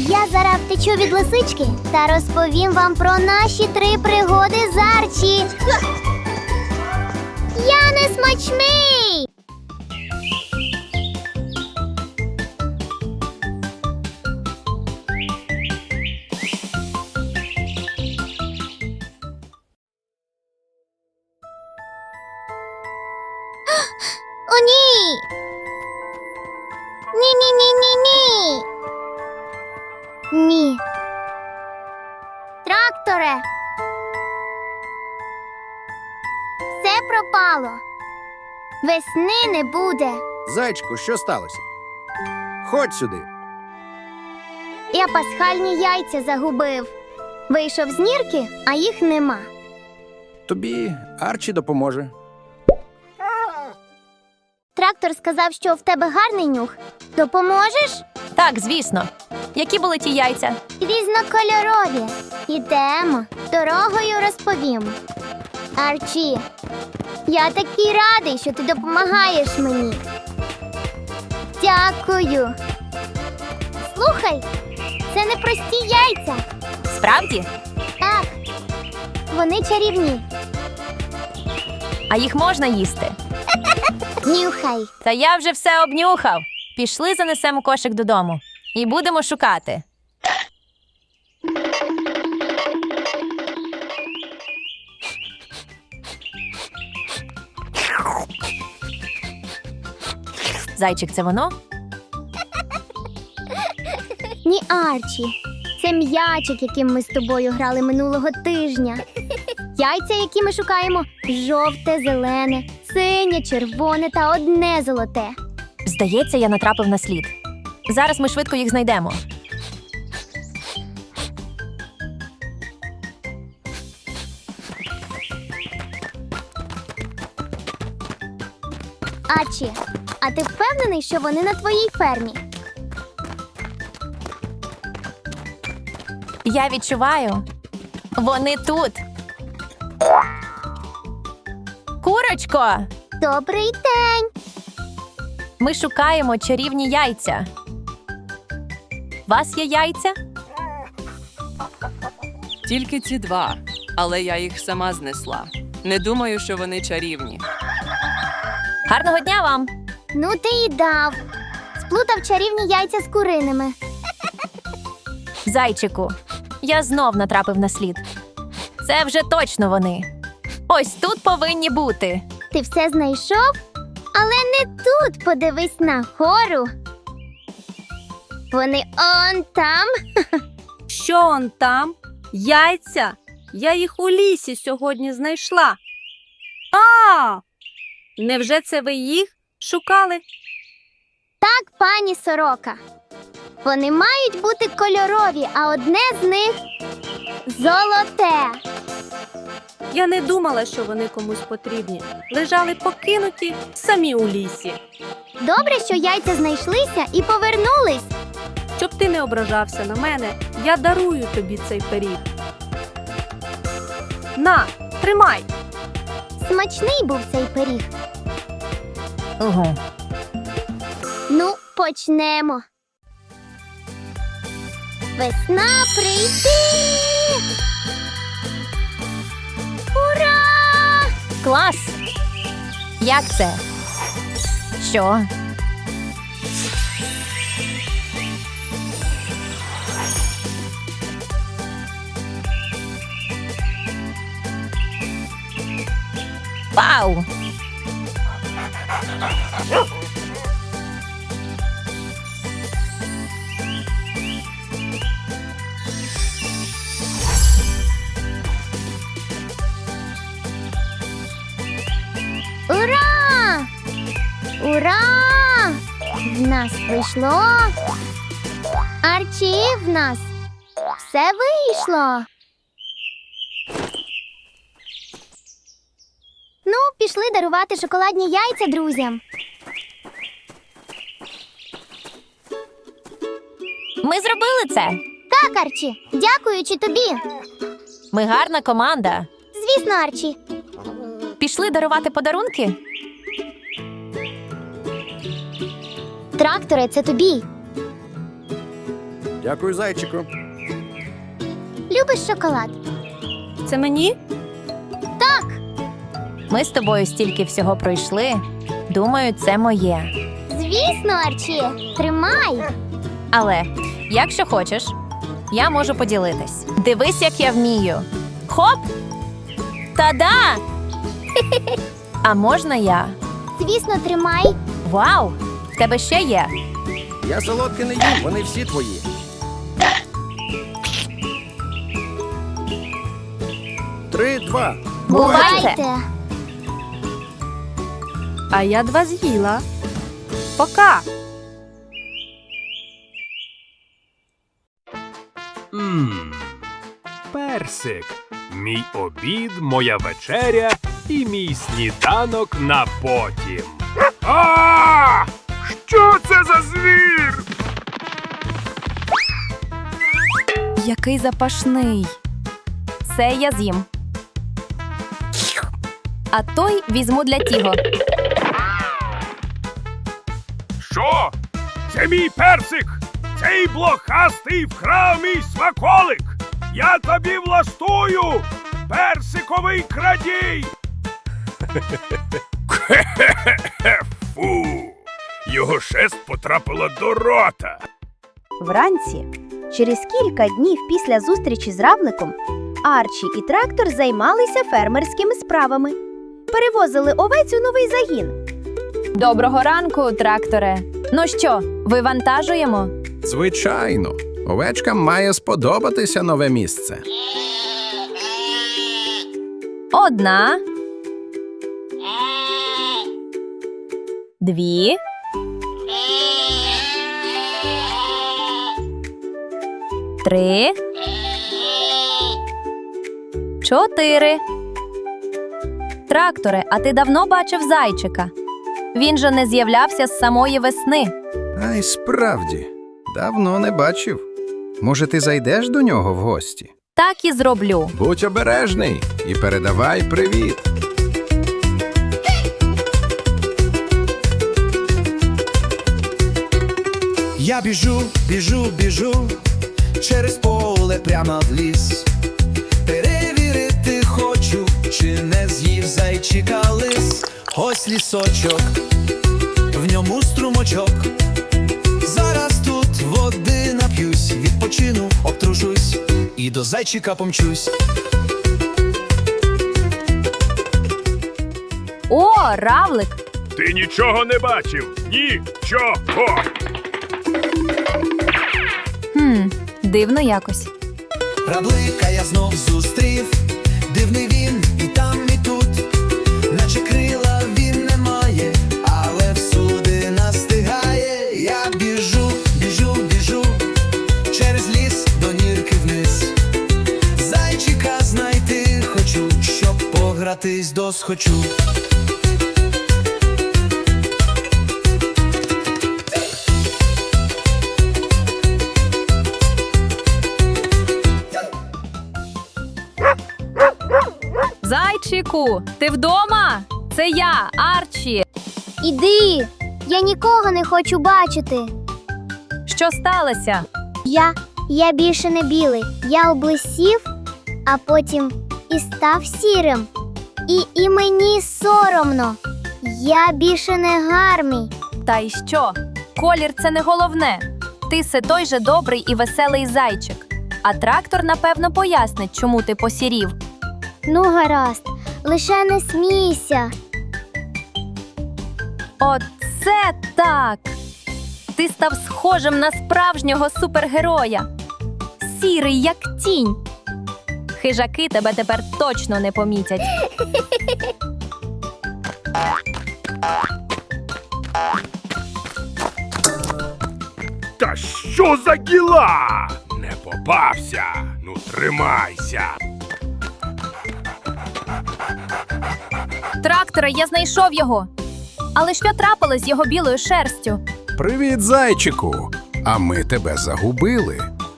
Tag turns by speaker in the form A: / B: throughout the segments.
A: Я зараз втечу від лисички та розповім вам про наші 3 пригоди з Арчі. Я не смачний! О, ні! Ні-ні-ні-ні-ні! Ні. Тракторе! Все пропало. Весни не буде.
B: Зайчику, що сталося? Ходь сюди.
A: Я пасхальні яйця загубив. Вийшов з нірки, а їх нема.
B: Тобі Арчі допоможе.
A: Трактор сказав, що в тебе гарний нюх. Допоможеш?
C: Так, звісно. Які були ті яйця?
A: Різнокольорові. Ідемо. Дорогою розповім. Арчі, я такий радий, що ти допомагаєш мені. Дякую. Слухай, це не прості яйця.
C: Справді?
A: Так, вони чарівні.
C: А їх можна їсти?
A: Нюхай.
C: Та я вже все обнюхав. Пішли, занесемо кошик додому. І будемо шукати. Зайчик, це воно?
A: Ні, Арчі. Це м'ячик, яким ми з тобою грали минулого тижня. Яйця, які ми шукаємо, жовте, зелене, синє, червоне та одне золоте.
C: Здається, я натрапив на слід. Зараз ми швидко їх знайдемо.
A: Арчі, а ти впевнений, що вони на твоїй фермі?
C: Я відчуваю. Вони тут. Курочко!
A: Добрий день!
C: Ми шукаємо чарівні яйця. Вас є яйця?
D: Тільки ці 2, але я їх сама знесла. Не думаю, що вони чарівні.
C: Гарного дня вам!
A: Ну ти і дав. Сплутав чарівні яйця з куриними.
C: Зайчику, я знов натрапив на слід. Це вже точно вони. Ось тут повинні бути.
A: Ти все знайшов? Але не тут, подивись на гору. Вони он там.
E: Що он там? Яйця? Я їх у лісі сьогодні знайшла. А! Невже це ви їх шукали?
A: Так, пані Сорока. Вони мають бути кольорові, а одне з них золоте.
E: Я не думала, що вони комусь потрібні. Лежали покинуті самі у лісі.
A: Добре, що яйця знайшлися і повернулись.
E: Щоб ти не ображався на мене, я дарую тобі цей пиріг. На, тримай!
A: Смачний був цей пиріг.
C: Угу.
A: Ну, почнемо. Весна прийти! Ура!
C: Клас! Як це? Що? Вау!
A: Ура! Ура! В нас вийшло. Арчі, в нас все вийшло. Ну, пішли дарувати шоколадні яйця друзям.
C: Ми зробили це!
A: Так, Арчі, дякуючи тобі.
C: Ми гарна команда.
A: Звісно, Арчі.
C: Пішли дарувати подарунки?
A: Тракторе, це тобі.
B: Дякую, зайчику.
A: Любиш шоколад?
E: Це мені?
C: Ми з тобою стільки всього пройшли. Думаю, це моє.
A: Звісно, Арчі. Тримай.
C: Але, якщо хочеш, я можу поділитись. Дивись, як я вмію. Хоп! Та-да! А можна я?
A: Звісно, тримай.
C: Вау! В тебе ще є.
B: Я солодке не їм, вони всі твої. Три, два.
C: Бувайте!
E: А я 2 з'їла. Пока!
F: Персик. Мій обід, моя вечеря і мій сніданок на потім. А! Що це за звір?
C: Який запашний. Це я з'їм. А той візьму для Тіго.
F: Що? Це мій персик! Цей блохастий вкрав мій смаколик! Я тобі влаштую! Персиковий крадій! Фу! Його шерсть потрапила до рота!
G: Вранці, через кілька днів після зустрічі з равликом, Арчі і трактор займалися фермерськими справами. Перевозили овець у новий загін.
C: Доброго ранку, тракторе. Ну що, вивантажуємо?
B: Звичайно. Овечкам має сподобатися нове місце.
C: Одна. Дві. Три. Чотири. Тракторе, а ти давно бачив зайчика? Він же не з'являвся з самої весни.
B: А й справді, давно не бачив. Може, ти зайдеш до нього в гості?
C: Так і зроблю.
B: Будь обережний і передавай привіт.
H: Я біжу, біжу, біжу через поле прямо в ліс. Перевірити хочу, чи не з'їв зайчика лис. Ось лісочок, в ньому струмочок. Зараз тут води нап'юсь, відпочину, обтрушусь і до зайчика помчусь.
C: О, равлик!
F: Ти нічого не бачив? Нічого!
C: Дивно якось.
H: Равлика я знов зустрів, дивний він і там, і тут, наче крила він не має, але всюди настигає. Я біжу, біжу, біжу через ліс до нірки вниз. Зайчика знайти хочу, щоб погратись досхочу.
C: Зайчику, ти вдома? Це я, Арчі.
A: Іди. Я нікого не хочу бачити.
C: Що сталося?
A: Я більше не білий. Я облисів, а потім і став сірим. І мені соромно. Я більше не гарний.
C: Та й що? Колір – це не головне. Ти все той же добрий і веселий зайчик. А трактор, напевно, пояснить, чому ти посірів.
A: Ну, гаразд, лише не смійся.
C: Оце так! Ти став схожим на справжнього супергероя. Сірий, як тінь. Хижаки тебе тепер точно не помітять.
F: Та що за діла? Не попався. Ну, тримайся.
C: Трактора, я знайшов його. Але що трапилось з його білою шерстю?
B: Привіт, зайчику. А ми тебе загубили.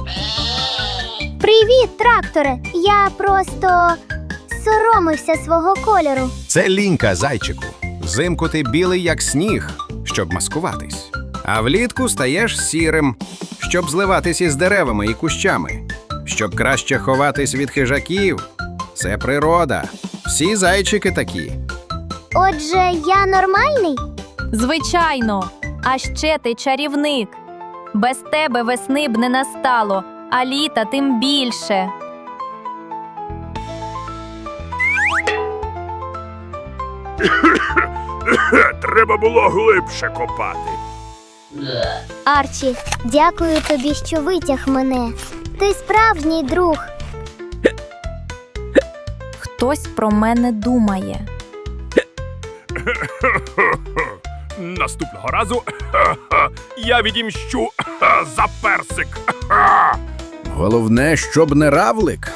A: Привіт, тракторе. Я просто соромився свого кольору.
B: Це лінька, зайчику. Взимку ти білий, як сніг, щоб маскуватись. А влітку стаєш сірим, щоб зливатись із деревами і кущами, щоб краще ховатись від хижаків. Це природа. Всі зайчики такі.
A: Отже, я нормальний?
C: Звичайно. А ще ти чарівник. Без тебе весни б не настало, а літа тим більше.
F: Треба було глибше копати.
A: Арчі, дякую тобі, що витяг мене. Ти справжній друг.
C: Хтось про мене думає.
F: Наступного разу я відімщу за персик.
B: Головне, щоб не равлик.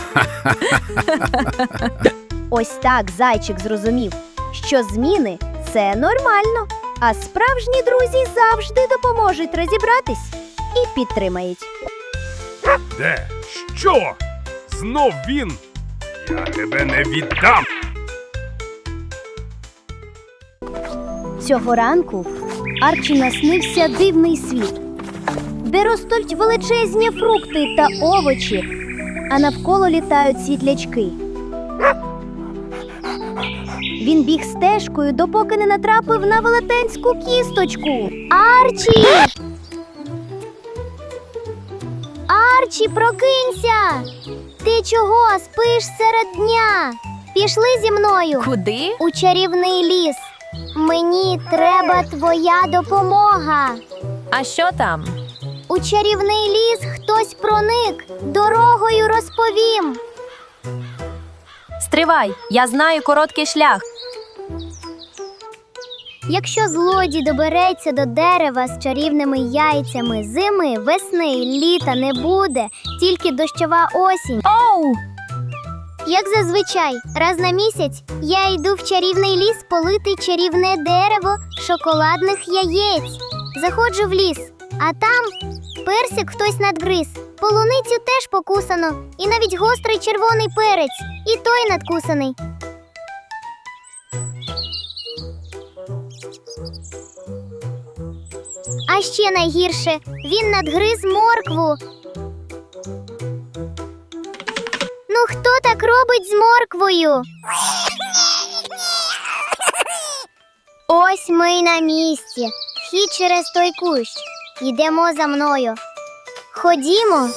G: Ось так зайчик зрозумів, що зміни – це нормально, а справжні друзі завжди допоможуть розібратись і підтримають.
F: Де? Що? Знов він? Я тебе не віддам.
G: Цього ранку Арчі наснився дивний світ, де ростуть величезні фрукти та овочі, а навколо літають світлячки. Він біг стежкою, допоки не натрапив на велетенську кісточку.
A: Арчі! Арчі, прокинься! Ти чого спиш серед дня? Пішли зі мною
C: Куди?
A: у чарівний ліс. Мені треба твоя допомога.
C: А що там?
A: У чарівний ліс хтось проник. Дорогою розповім.
C: Стривай, я знаю короткий шлях.
A: Якщо злодій добереться до дерева з чарівними яйцями, зими, весни, літа не буде, тільки дощова осінь.
C: Оу!
A: Як зазвичай, раз на місяць я йду в чарівний ліс полити чарівне дерево шоколадних яєць. Заходжу в ліс, а там персик хтось надгриз, полуницю теж покусано, і навіть гострий червоний перець, і той надкусаний. А ще найгірше, він надгриз моркву. Ну хто так робить з морквою? Ось ми й на місці. Вхід через той кущ. Йдемо за мною. Ходімо.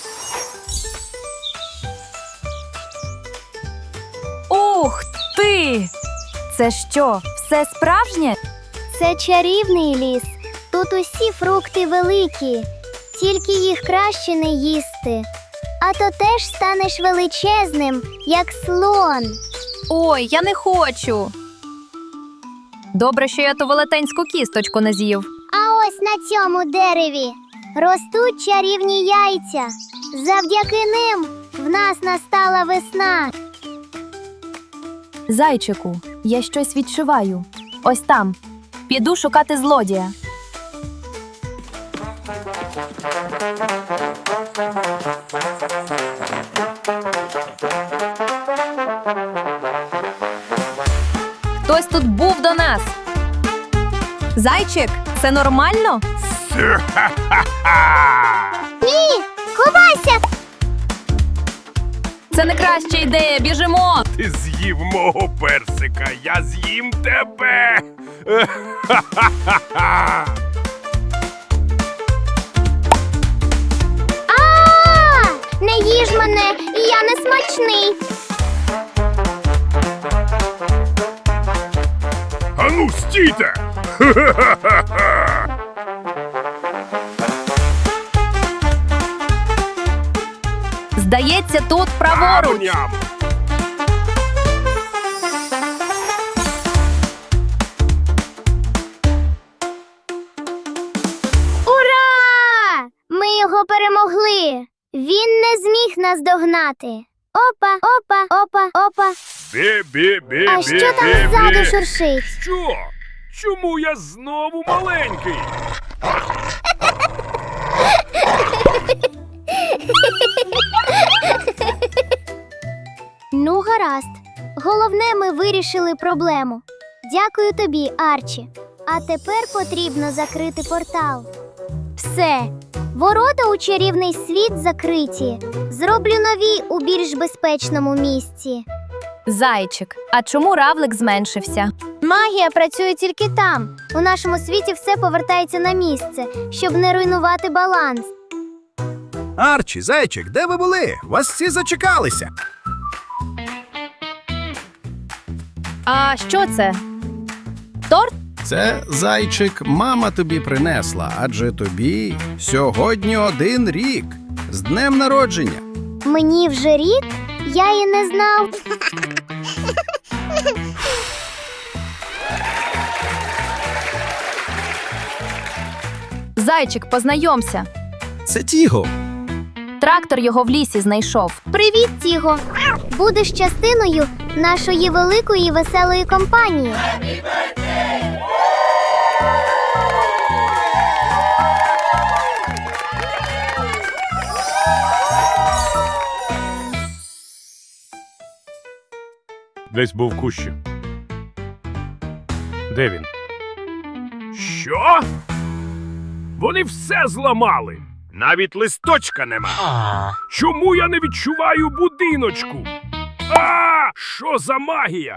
C: Ух ти! Це що, все справжнє?
A: Це чарівний ліс. Тут усі фрукти великі, тільки їх краще не їсти. А то теж станеш величезним, як слон.
C: Ой, я не хочу. Добре, що я ту велетенську кісточку не з'їв.
A: А ось на цьому дереві ростуть чарівні яйця. Завдяки ним в нас настала весна.
C: Зайчику, я щось відчуваю. Ось там. Піду шукати злодія. Хтось тут був до нас. Зайчик, це нормально?
A: Ні, ховайся!
C: Це не краща ідея, біжимо!
F: Ти з'їв мого персика, я з'їм тебе.
A: Не їж мене, я не смачний.
F: Ану, стійте!
C: Здається, тут праворуч.
F: Ням!
A: Ура! Ми його перемогли. Він не зміг нас догнати. Опа, опа, опа, опа.
F: Бі-бі-бі-бі-бі.
A: А що там ззаду шуршить?
F: Що? Чому я знову маленький?
A: Ну, гаразд. Головне, ми вирішили проблему. Дякую тобі, Арчі. А тепер потрібно закрити портал. Все, Ворота у чарівний світ закриті. Зроблю нові у більш безпечному місці.
C: Зайчик, а чому равлик зменшився?
A: Магія працює тільки там. У нашому світі все повертається на місце, щоб не руйнувати баланс.
B: Арчі, зайчик, де ви були? Вас всі зачекалися.
C: А що це? Торт?
B: Це, зайчик, мама тобі принесла, адже тобі сьогодні 1 рік. З днем народження.
A: Мені вже рік? Я і не знав.
C: Зайчик, познайомся.
B: Це Тіго.
C: Трактор його в лісі знайшов.
A: Привіт, Тіго! Будеш частиною нашої великої веселої компанії.
F: Десь був в кущі. Де він? Що? Вони все зламали. Навіть листочка нема. Чому я не відчуваю будиночку? Що за магія?